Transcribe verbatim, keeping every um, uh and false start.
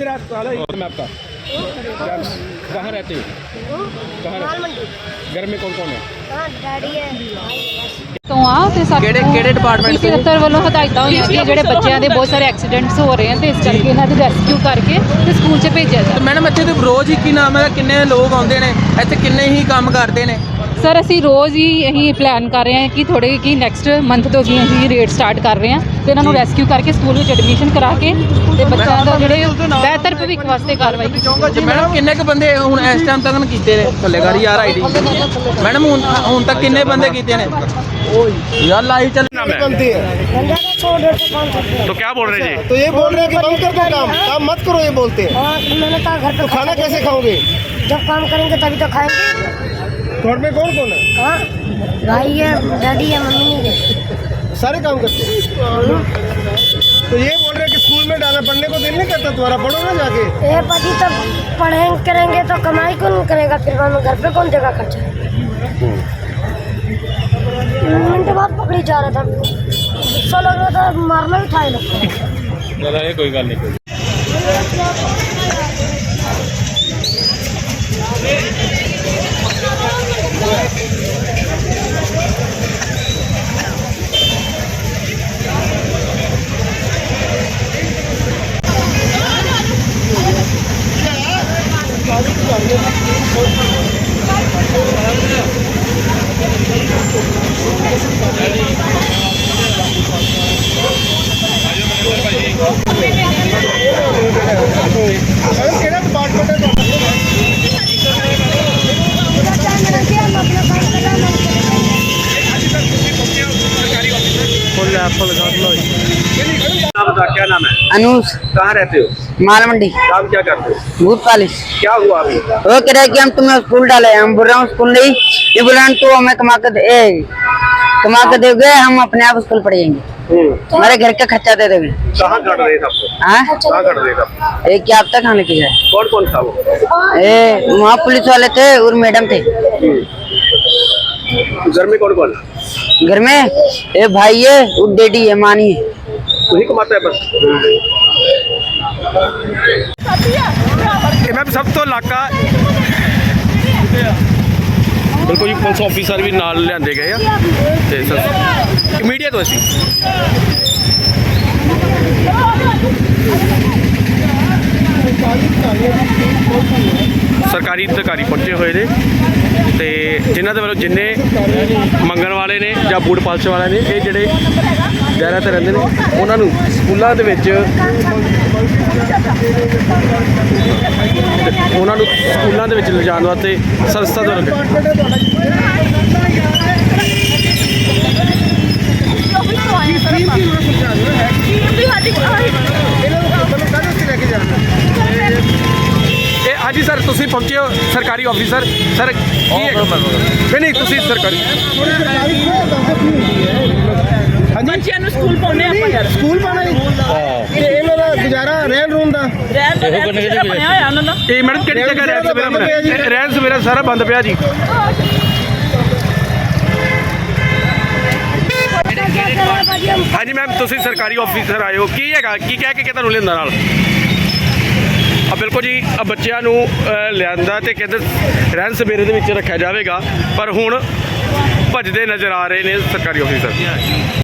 मैं आपका कहाँ रहते हो? कहाँ रहते? घर में कौन कौन है? ਤੋਂ ਆ ਤੇ ਸਾਡੇ ਕਿਹੜੇ ਕਿਹੜੇ ਡਿਪਾਰਟਮੈਂਟ ਪੀਸੀ ਦਫ਼ਤਰ ਵੱਲੋਂ ਹਦਾਇਤਾਂ ਹੋਈਆਂ ਕਿ ਜਿਹੜੇ ਬੱਚਿਆਂ ਦੇ ਬਹੁਤ ਸਾਰੇ ਐਕਸੀਡੈਂਟਸ ਹੋ ਰਹੇ ਹਨ ਤੇ ਇਸ ਕਰਕੇ ਇਹਨਾਂ ਦੇ ਰੈਸਕਿਊ ਕਰਕੇ ਤੇ ਸਕੂਲ 'ਚ ਭੇਜਿਆ ਤੇ ਜਾਵੇ। ਮੈਡਮ ਇੱਥੇ ਤੇ ਰੋਜ਼ ਹੀ ਕੀ ਨਾਮ ਹੈ ਕਿੰਨੇ ਲੋਕ ਆਉਂਦੇ ਨੇ ਇੱਥੇ ਕਿੰਨੇ ਹੀ ਕੰਮ ਕਰਦੇ ਨੇ? ਸਰ ਅਸੀਂ ਰੋਜ਼ ਹੀ ਇਹੀ ਪਲਾਨ ਕਰ ਰਹੇ ਹਾਂ ਕਿ ਥੋੜੇ ਕਿ ਨੈਕਸਟ ਮੰਥ ਤੋਂ ਜੀ ਅਸੀਂ ਰੇਟ ਸਟਾਰਟ ਕਰ ਰਹੇ ਹਾਂ ਤੇ ਇਹਨਾਂ ਨੂੰ ਰੈਸਕਿਊ ਕਰਕੇ ਸਕੂਲ ਵਿੱਚ ਐਡਮਿਸ਼ਨ ਕਰਾ ਕੇ ਤੇ ਬੱਚਿਆਂ ਦਾ ਜਿਹੜੇ ਬਿਹਤਰ ਭਵਿੱਖ ਵਾਸਤੇ ਕਾਰਵਾਈ ਕੀਤੀ। ਮੈਡਮ ਕਿੰਨੇ ਕੁ ਬੰਦੇ ਹੁਣ ਇਸ ਟਾਈਮ ਤੱਕ ਕੀਤੇ ਨੇ ਥੱਲੇ ਗਾੜੀ ਯਾਰ ਆਈਡੀ ਮੈਡਮ ਹੁਣ ਹੁਣ ਤੱਕ ਕਿੰਨੇ ਬੰਦੇ ਕੀਤੇ ਨੇ यार लाइव चल बनती है तो क्या बोल रहे जी? तो ये बोल रहे हैं कि बंद कर दो काम काम मत करो ये बोलते हैं। मैंने कहा घर तो पे खाना कैसे खाओगे? जब काम करेंगे तभी तो खाएंगे। घर में कौन कौन है? हाँ भाई है डैडी है मम्मी नहीं है सारे काम करते हैं। तो ये बोल रहे हैं कि स्कूल में डाला पढ़ने को दिल नहीं करता तुम्हारा पढ़ो ना जाके। ये पति तो पढ़ेंगे करेंगे तो कमाई कौन करेगा फिर हम घर पे कौन देगा खर्चा। मिनट बाद पकड़ी जा रहा था गुस्सा लग रहा था मारना भी था ये लोग। कोई गल नहीं। केड़ा डिपार्टमेंट है? क्या नाम है? अनूस कहाँ रहते हो? माल मंडी काम क्या करते हो? भूत पालिश। क्या हुआ अभी? वो कह रहा है कि हम तुम्हें स्कूल डाले, हम बोल रहे हैं स्कूल नहीं, ये बोल रहे हैं तो हमें कमा कर दे कमा कर दोगे, हम अपने आप स्कूल पढ़ जाएंगे, हमारे घर का खर्चा दे दोगे। कहाँ कर रहे थे आपको? हाँ कहाँ कर रहे थे आप? एक क्या अब तक खाने की जाए कौन कौन था वो? ए वहाँ पुलिस वाले थे और मैडम थे। घर में कौन कौन है? घर में एक भाई है और डैडी है, मानी है। वही कमाता है बस। मैं सब तो इलाका बिल्कुल जी पुलिस ऑफिसर भी नाल लियांदे गए आ ते सर मीडिया तो असी सरकारी अधिकारी पहुंचे हुए ने ते जिन्हां दे वल्लों जिन्ने मंगण वाले ने जां बूट पालश वाले ने ये जिहड़े दायरा ते रहिंदे ने उन्हां नूं स्कूलां दे विच उन्हां नूं स्कूलां दे विच लिजाण वास्ते संस्था द्वारा हाँ जी सर तुसीं पहुंचे हो सरकारी ऑफिसर सर नहीं नहीं तुसीं सरकारी ਬੱਚਿਆਂ ਨੂੰ ਸਕੂਲ ਪਾਉਣੇ ਆਪਾਂ ਯਾਰ स्कूल पाना ही ਇਹਨਾਂ ਦਾ ਗੁਜ਼ਾਰਾ ਰਹਿਣ ਰੂਣ ਦਾ ਰਹਿਣ ਦਾ ਬਣਿਆ ਹੋਇਆ ਉਹਨਾਂ ਦਾ। ਇਹ ਮੈਡਮ ਕਿਹੜੀ ਜਗ੍ਹਾ ਰਹਿਣ ਸਵੇਰਾ ਬਣਿਆ? ਰਹਿਣ ਸਵੇਰਾ ਸਾਰਾ ਬੰਦ ਪਿਆ ਜੀ। ਹਾਂਜੀ ਮੈਮ ਤੁਸੀਂ ਸਰਕਾਰੀ ਆਫਿਸਰ ਆਏ ਹੋ ਕੀ ਹੈਗਾ ਕੀ ਕਹਿ ਕੇ ਤੁਹਾਨੂੰ ਲਿਆਂਦਾ ਨਾਲ? ਆ ਬਿਲਕੁਲ ਜੀ ਆ ਬੱਚਿਆਂ ਨੂੰ ਲਿਆਂਦਾ ਤੇ ਕਹਿੰਦੇ ਰਹਿਣ ਸਵੇਰੇ ਦੇ ਵਿੱਚ ਰੱਖਿਆ ਜਾਵੇਗਾ ਪਰ ਹੁਣ ਭੱਜਦੇ ਨਜ਼ਰ ਆ ਰਹੇ ਨੇ ਸਰਕਾਰੀ ਆਫਿਸਰ।